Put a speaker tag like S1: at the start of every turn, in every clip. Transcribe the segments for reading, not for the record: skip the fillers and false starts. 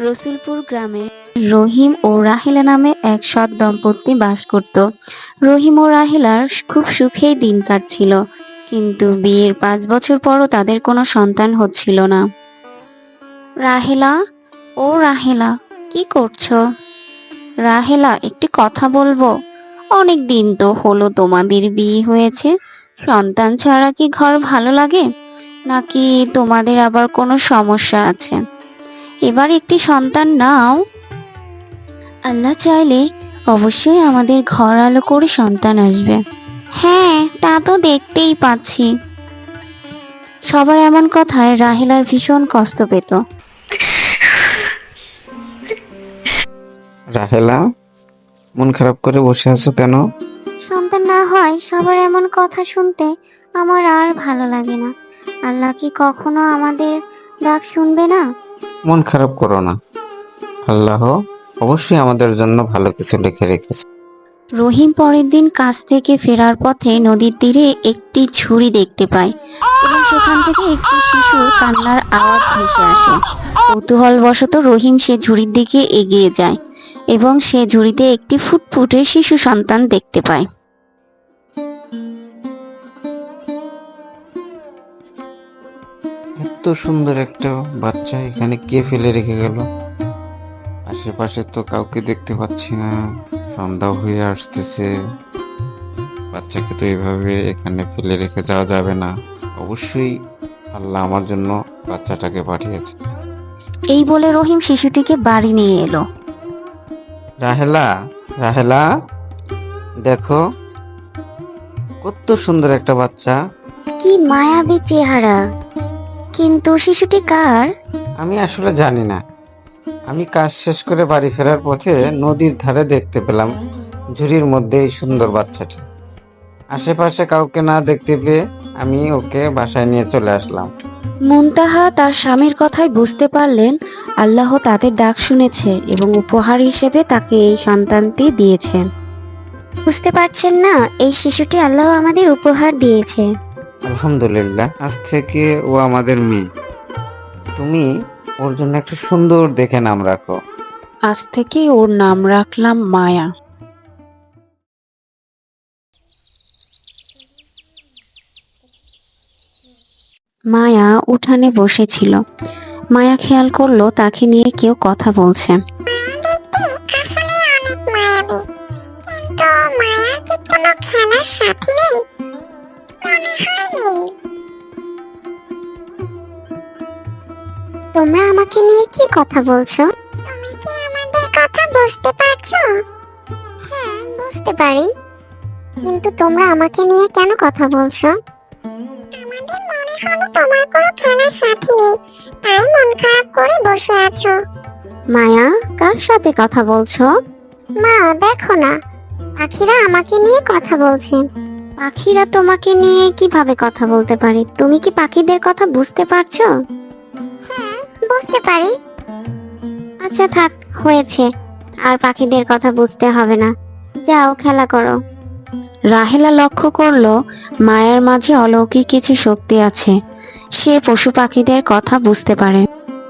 S1: রসুলপুর গ্রামে রহিম ও রাহেলা নামে এক সৎ দম্পতি বাস করত। রহিম ও রাহেলার খুব সুখেই দিন কাটছিল, কিন্তু বিয়ের 5 বছর পরও তাদের কোনো সন্তান হচ্ছিল না। রাহেলা, ও রাহেলা, কি করছো? রাহেলা, একটি কথা বলবো? অনেক দিন তো হলো তোমাদের বিয়ে হয়েছে, সন্তান ছাড়া কি ঘর ভালো লাগে, নাকি তোমাদের আবার কোনো সমস্যা আছে? এবার একটি সন্তান নাও। আল্লাহ চাইলে অবশ্যই আমাদের ঘর আলো করে সন্তান আসবে। হ্যাঁ, তা তো দেখতেই পাচ্ছি। সবার এমন কথায় রাহেলার ভীষণ কষ্ট পেত।
S2: রাহেলা, মন খারাপ করে বসে আছো কেন?
S1: সন্তান না হয় সবার এমন কথা শুনতে আমার আর ভালো লাগে না। আল্লাহ কি কখনো আমাদের ডাক শুনবে না?
S2: মন খারাপ করো না, আল্লাহ অবশ্যই আমাদের জন্য ভালো কিছু লিখে রেখেছে।
S1: রহিম পরের দিন কাজ থেকে ফেরার পথে নদীর তীরে একটি ঝুড়ি দেখতে পায় এবং সেখান থেকে একটি শিশুর কান্নার আওয়াজ ভেসে আসে। কৌতূহলবশত রহিম সে ঝুড়ির দিকে এগিয়ে যায় এবং সে ঝুড়িতে একটি ফুটফুটে শিশু সন্তান দেখতে পায়।
S2: এত সুন্দর একটা বাচ্চা এখানে কে ফেলে রেখে গেল? আশেপাশে তো কাউকে দেখতে পাচ্ছি না, সন্ধ্যা হয়ে আসতেছে। বাচ্চাকে তো এভাবে এখানে ফেলে রেখে যাওয়া যাবে না। অবশ্যই আল্লাহ আমার জন্য বাচ্চাটাকে পাঠিয়েছে।
S1: এই বলে রহিম শিশুটিকে বাড়ি নিয়ে এলো।
S2: রাহেলা, রাহেলা, দেখো কত সুন্দর একটা বাচ্চা।
S1: কি মায়াবী চেহারা! কিন্তু শিশুটি কার?
S2: আমি আসলে জানি না। আমি কাজ শেষ করে বাড়ি ফেরার পথে নদীর ধারে দেখতে পেলাম ঝুড়ির মধ্যে এই সুন্দর বাচ্চাটি। আশেপাশে কাউকে না দেখতে পেয়ে আমি ওকে বাসায় নিয়ে চলে আসলাম।
S1: মুনতাহা তার স্বামীর কথায় বুঝতে পারলেন আল্লাহ তাদের ডাক শুনেছে এবং উপহার হিসেবে তাকে এই সন্তানটি দিয়েছেন। বুঝতে পারছেন না, এই শিশুটি আল্লাহ আমাদের উপহার দিয়েছে।
S2: আলহামদুলিল্লাহ, আজ থেকে ও আমাদের মেয়ে। তুমি ওর জন্য একটা সুন্দর দেখে নাম রাখো।
S1: আজ থেকে ওর নাম রাখলাম মায়া। মায়া উঠানে বসেছিল। মায়া খেয়াল করলো তাকে নিয়ে কেউ কথা বলছে।
S3: আসলে অনেক মায়াবী, কিন্তু মায়ার কি কোনো খেলার সাথী নেই? মনে হয় নেই। তোমরা আমাকে নিয়ে কি কথা বলছো? তুমি কি আমাদের কথা বুঝতে পারছো? হ্যাঁ, বুঝতে পারি, কিন্তু তোমরা আমাকে নিয়ে কেন কথা বলছো? আমাদের মনে হলো তোমার কোনো খেলার সাথী নেই, তাই মন খারাপ করে বসে আছো।
S1: মায়া, কার সাথে কথা বলছো?
S3: মা, দেখো না, পাখিরা আমাকে নিয়ে কথা বলছে।
S1: পাখিরা তোমাকে নিয়ে কিভাবে কথা বলতে পারে? তুমি কি পাখিদের কথা বুঝতে পারছো?
S3: হ্যাঁ, বুঝতে পারি।
S1: আচ্ছা থাক, হয়েছে, আর পাখিদের কথা বুঝতে হবে না, যাও খেলা করো। রাহেলা লক্ষ্য করলো মায়ার মাঝে অলৌকিক কিছু শক্তি আছে, সে পশু পাখিদের কথা বুঝতে পারে।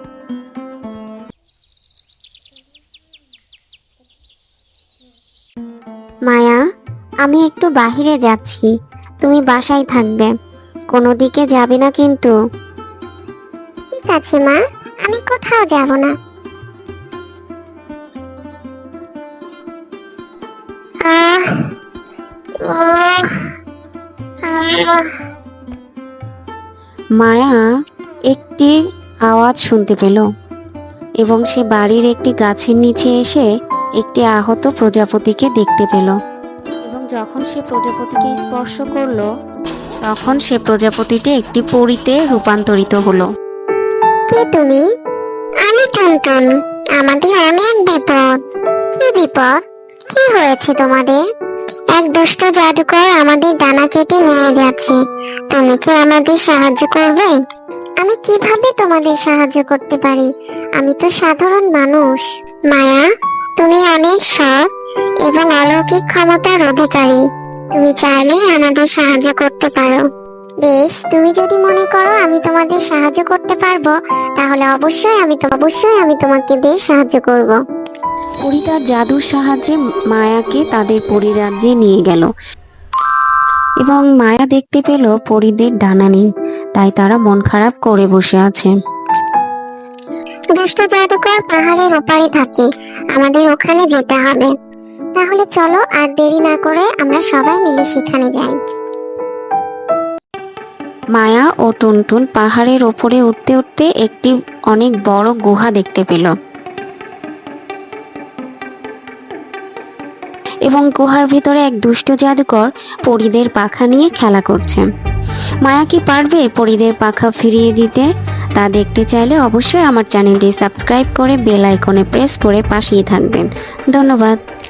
S1: মায়া, আমি একটু বাহিরে যাচ্ছি, তুমি বাসায় থাকবে, কোনো দিকে যাবে না কিন্তু।
S3: ঠিক আছে মা, আমি কোথাও যাব না। আহ উহ, আহ
S1: মায়া একটি আওয়াজ শুনতে পেল এবং সে বাড়ির একটি গাছের নিচে এসে একটি আহত প্রজাপতিকে দেখতে পেল এবং যখন সে প্রজাপতিকে স্পর্শ করলো তখন সে প্রজাপতিটি একটি পরীতে রূপান্তরিত হলো।
S3: কে তুমি? আমি টুনটুন। আমাদের অনেক বিপদ। কি বিপদ? কি হয়েছে তোমাদের? এক দুষ্ট জাদুকর আমাদের ডানা কেটে নিয়ে যাচ্ছে। তুমি কি আমাদের সাহায্য করবে? আমি কিভাবে তোমাদের সাহায্য করতে পারি? আমি তো সাধারণ মানুষ। মায়া, তুমি অনেক সৎ এবং অলৌকিক ক্ষমতার অধিকারী। তুমি চাইলেই আমাদের সাহায্য করতে পারো। বেশ, তুমি যদি মনে করো আমি তোমাদের সাহায্য করতে পারবো, তাহলে অবশ্যই আমি তোমাকে দিয়ে সাহায্য করব।
S1: পরী তার জাদুর সাহায্যে মায়াকে তাদের পরিরাজ্যে নিয়ে গেল এবং মায়া দেখতে পেল পরীদের ডানা নেই, তাই তারা মন খারাপ করে বসে আছে।
S3: দুষ্ট জাদুকর পাহাড়ের ওপারে থাকে, আমাদের ওখানে যেতে হবে। তাহলে চলো আর দেরি না করে আমরা সবাই মিলে সেখানে যাই।
S1: মায়া ও টুনটুন পাহাড়ের ওপরে উঠতে উঠতে একটি অনেক বড় গুহা দেখতে পেল এবং গুহার ভিতরে এক দুষ্ট জাদুকর পরীদের পাখা নিয়ে খেলা করছে। মায়া কি পারবে পরীদের পাখা ফিরিয়ে দিতে? তা দেখতে চাইলে অবশ্যই আমার চ্যানেলটি সাবস্ক্রাইব করে বেল আইকনে প্রেস করে পাশেই থাকবেন। ধন্যবাদ।